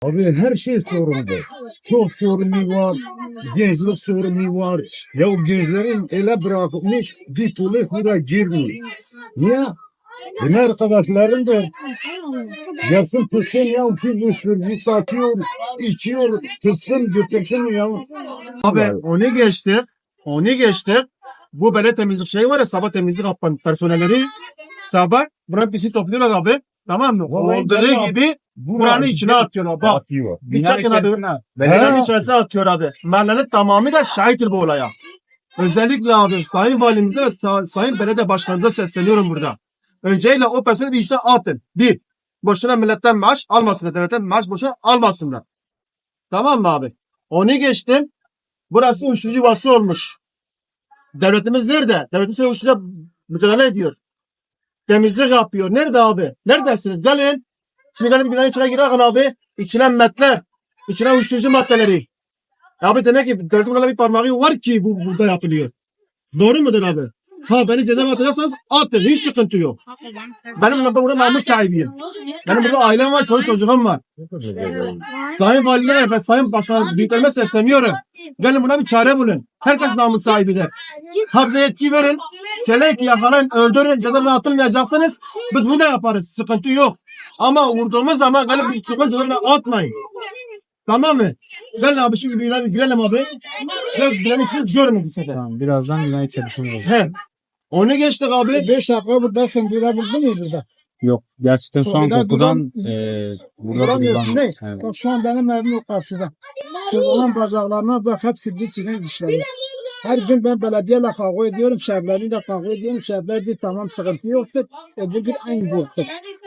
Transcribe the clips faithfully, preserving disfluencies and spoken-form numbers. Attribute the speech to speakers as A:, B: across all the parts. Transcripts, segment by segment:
A: Abi her şey sorunlu. Çok sorunu var. Gençlik sorunu var. Ya o gençlerin ele bırakılmış bir polis buraya girmiyor. Niye? Benim arkadaşlarım da gelsin tutsun ya ki uyuşturucu satıyor, içiyor, tutsun götürsün ya.
B: Abi onu geçti. Onu geçti. Bu böyle temizlik şeyi var ya, sabah temizlik yapan personelleri sabah buranın pisini topluyorlar abi. Tamam mı?
A: Vallahi
B: Olduğu
A: ben-
B: gibi buranın içine atıyorlar. Bak.
A: Atıyor.
B: Bir çekin abi. Buranın içerisine atıyor abi. Mahallenin tamamı da şahittir bu olaya. Özellikle abi Sayın Valimize ve Sa- Sayın Belediye Başkanımıza sesleniyorum burada. Öncelikle o personeli bir işten atın. Bir, boşuna milletten maaş almasınlar. Devletten maaş boşuna almasınlar. Tamam mı abi? Onu geçtim. Burası uyuşturucu yuvası olmuş. Devletimiz nerede? Devletimiz uyuşturucu mücadele ediyor. Temizlik yapıyor. Nerede abi? Neredesiniz? Gelin. Şimdi gelin bir binanın içine girin abi. İçine metler. İçine uyuşturucu maddeleri. Abi demek ki devletin buna bir parmağı var ki bu burada yapılıyor. Doğru mudur abi? Ha beni cezaevine atacaksanız atın. Hiç sıkıntı yok. Benim burada, burada namus sahibiyim. Benim burada ailem var, çoluk çocuğum var. Sayın Valime ve Sayın Başkan büyüklerime sesleniyorum. Gelin buna bir çare bulun. Herkes namus sahibidir. Ha bize yetki verin. Söyleyin ki yakalayın, öldürün, cezaevine atılmayacaksınız. Biz bunu da yaparız. Sıkıntı yok. Ama vurduğumuz zaman gelip bir sıkıntı cezaevine atmayın. Tamam mı? Gel abi şimdi bir girelim abi. Gel girelim siz görün bir sefer.
C: Tamam, birazdan binayı çalışmaya olacak.
B: He. Onu geçtik abi.
A: Beş dakika buradasın, durabildin mi burada?
C: Yok, gerçekten şu an
A: Burada
C: kokudan
A: duran-
C: e, burada
A: Duramıyorsun
C: duran-
A: değil.
C: Evet.
A: Bak şu an benim evim o karşıda. Çocuğun bacaklarına bak hepsi bir sinek dişleri. Her gün ben belediyeyle kavga ediyorum, şehirleriyle kavga ediyorum. Şehirler diyor tamam sıkıntı yoktur. Öbür gün aynı boktur.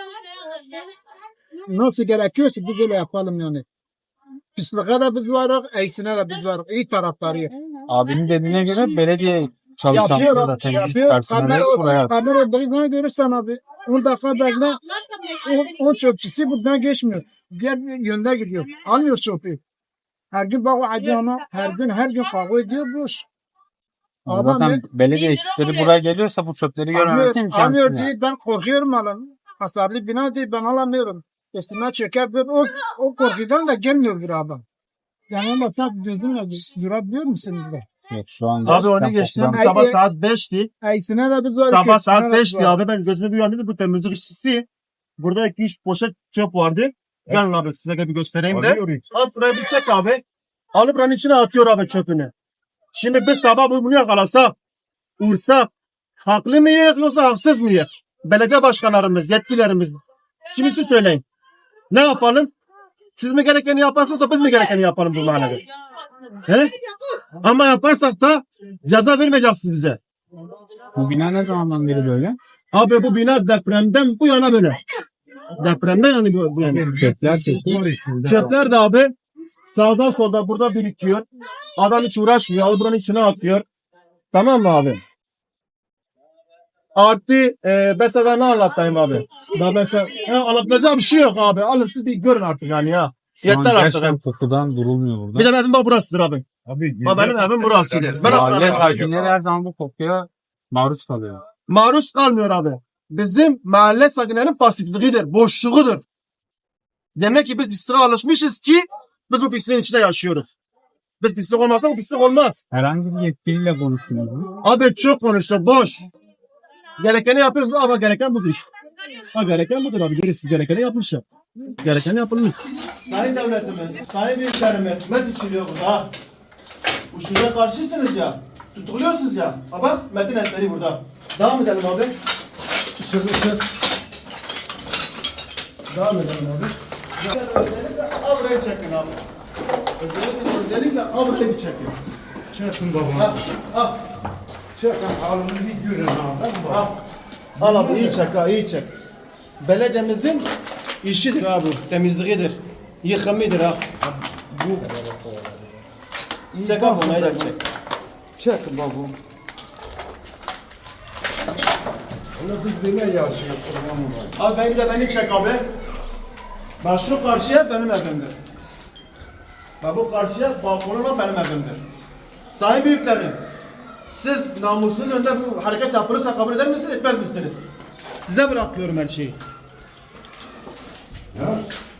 A: Nasıl gerekiyorsa biz öyle yapalım yani. Pisliğe de biz varız, eysine de biz varız. İyi taraflarıyız.
C: Abinin dediğine göre belediye çalışanları
A: Yapıyor,
C: da temizlik
A: yapıyor.
C: personeli
A: Kamera,
C: buraya.
A: kamera olduğu zaman görürsen abi. on dakika bekle. O, o çöpçüsü buradan geçmiyor. Diğer yönde gidiyor. Almıyor çöpü. Her gün bak o acına, her gün her gün kavga ediyor boş. Adam
C: Zaten
A: ne?
C: belediye ekipleri buraya geliyorsa bu çöpleri görmemesi
A: Almıyor,
C: imkansız.
A: almıyor
C: yani.
A: diye ben korkuyorum alın. Hasarlı bina değil ben alamıyorum. Üstüme çöker ve o, o korkudan da gelmiyor bir adam. Yani ama sen gözünle durabiliyor musun burada?
C: Yok, şu an
B: Abi onu
C: gerçekten
B: geçtim.
C: kokudan-
B: Sabah
A: Ay,
B: saat beşti.
A: Eysine de biz var.
B: Sabah
A: kötüsüne
B: saat
A: de biz
B: beşti
A: var.
B: abi. Ben gözümü bir uyandım. Bu temizlik işçisi. Burada iki üç poşet çöp vardı. Gelin abi size de bir göstereyim de. Al buraya bir çek abi. Alıp buranın içine atıyor abi çöpünü. Şimdi biz sabah bu- bunu yakalasak, vursak, haklı mıyız yoksa haksız mıyız? Belediye başkanlarımız, yetkilerimiz. Şimdi siz söyleyin. Ne yapalım? Siz mi gerekeni yaparsınız biz mi gerekeni yapalım bu mahallede? He? Ama yaparsak da ceza vermeyeceksiniz bize.
C: Bu bina ne zamandan beri böyle?
B: Abi bu bina depremden bu yana böyle. Depremden yani bu, bu yana.
C: Çöpler
B: Çöpler de abi sağdan solda burada birikiyor. Adam hiç uğraşmıyor. Alıp buranın içine atıyor. Tamam mı abi? Artı e, mesela ne anlatayım abi? Daha mesela ya, anlatacağım bir şey yok abi. Alın siz bir görün artık yani ya.
C: Şu an
B: Yeter artık.
C: gerçekten kokudan durulmuyor burada.
B: Bir de benim bak burasıdır abi.
A: Abi,
B: Bak benim evim burasıdır. Ben
C: Mahalle
B: aslında
C: sakinleri her zaman bu kokuya maruz kalıyor.
B: maruz kalmıyor abi. Bizim mahalle sakinlerinin pasifliğidir, boşluğudur. Demek ki biz pisliğe alışmışız ki biz bu pisliğin içinde yaşıyoruz. Biz pislik olmazsa bu pislik olmaz.
C: Herhangi bir yetkiliyle konuştunuz mu?
B: Abi çok konuştu, boş. Gerekeni yapıyoruz ama gereken budur. Ha gereken budur abi. Gerisi gerekeni yapmışlar. Gereken yapılmış. Sayın devletimiz, sayın büyüklerimiz, met içiliyor burada. Uçturuca karşısınız ya. Tutukluyorsunuz ya. Ha bak Metin eseri burada. Devam edelim abi. Isır ısır. Devam edelim abi. Özellikle avrayı çekin abi. Özellikle, özellikle avrayı bir çekin.
A: Çekin baba.
B: Ha, ha,
A: Çekin halimizi görün abi.
B: ha. Al abi iyi çek ha iyi çek. Belediyemizin işidir abi. Temizliğidir. Yıkımıdır ha.
A: Bu
B: Çek abi onu da çek.
A: çekin baba. Öyle biz böyle yaşıyoruz.
B: Abi ben bir de beni çek abi. Bak şu karşıya benim evimdir. Bak bu karşıya balkonuna benim evimdir. Sayın büyüklerim, siz namusunuz önünde bu hareket yapılırsa kabul eder misiniz, etmez misiniz? Size bırakıyorum her şeyi.
A: Ya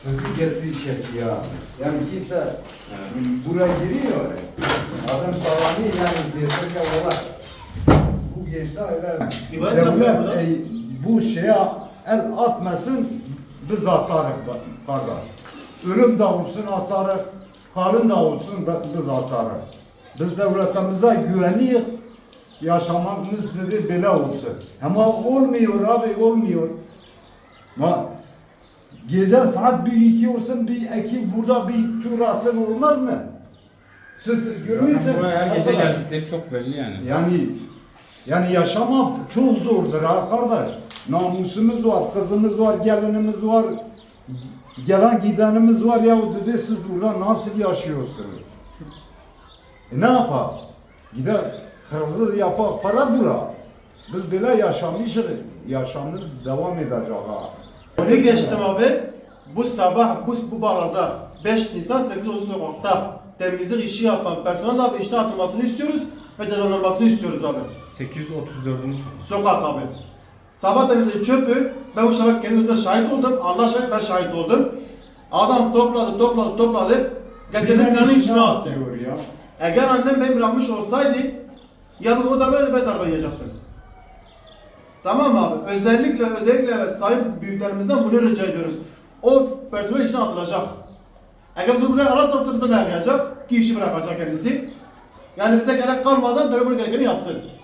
A: Sizi getir çekiyor. Yani kimse buraya giriyor. Adam sağlamıyor yani desin ki valla bu gençler öyle.
B: İbadet yapıyor
A: Devlet
B: burada.
A: e, bu şeye el atmasın biz atarız kardeş. Ölüm de olsun atarız, kalın da olsun biz atarız. Biz devletimize güveniyoruz. Yaşamamız dedi böyle olsun. Ama olmuyor abi olmuyor. Ma gece saat bir iki olsun bir ekip burada bir tur atsın olmaz mı? Siz görmüyorsunuz.
C: Zaten buraya her gece
A: arkadaş.
C: geldikleri çok belli yani.
A: Yani yani yaşamak çok zordur ha kardeş. Namusumuz var, kızımız var, gelinimiz var. Gelen gidenimiz var ya o dedi siz burada nasıl yaşıyorsunuz? E ne yapar? Gider hırsız yapar, para bulur. Biz böyle yaşamışız, yaşamımız devam edecek ha.
B: Ne geçtim abi? Bu sabah bu, bu bağlarda beş Nisan sekiz Ocak sokakta temizlik işi yapan personel abi işten atılmasını istiyoruz ve cezalandırmasını istiyoruz abi.
C: sekiz yüz otuz dördüncü
B: Sokak abi. Sabah temizliği çöpü, ben bu sabah kendi gözümle şahit oldum. Allah şahit ben şahit oldum. Adam topladı, topladı, topladı. Getirdi binanın içine attı.
A: Diyor ya.
B: Eğer annem beni bırakmış olsaydı, ya bu o darbe ben darbe yiyecektim. Tamam mı abi? Özellikle özellikle ve sayın büyüklerimizden bunu rica ediyoruz. O personel işten atılacak. Eğer bizi buraya ararsa bize de yakacak ki işi bırakacak kendisi. Yani bize gerek kalmadan böyle bunu gerekeni yapsın.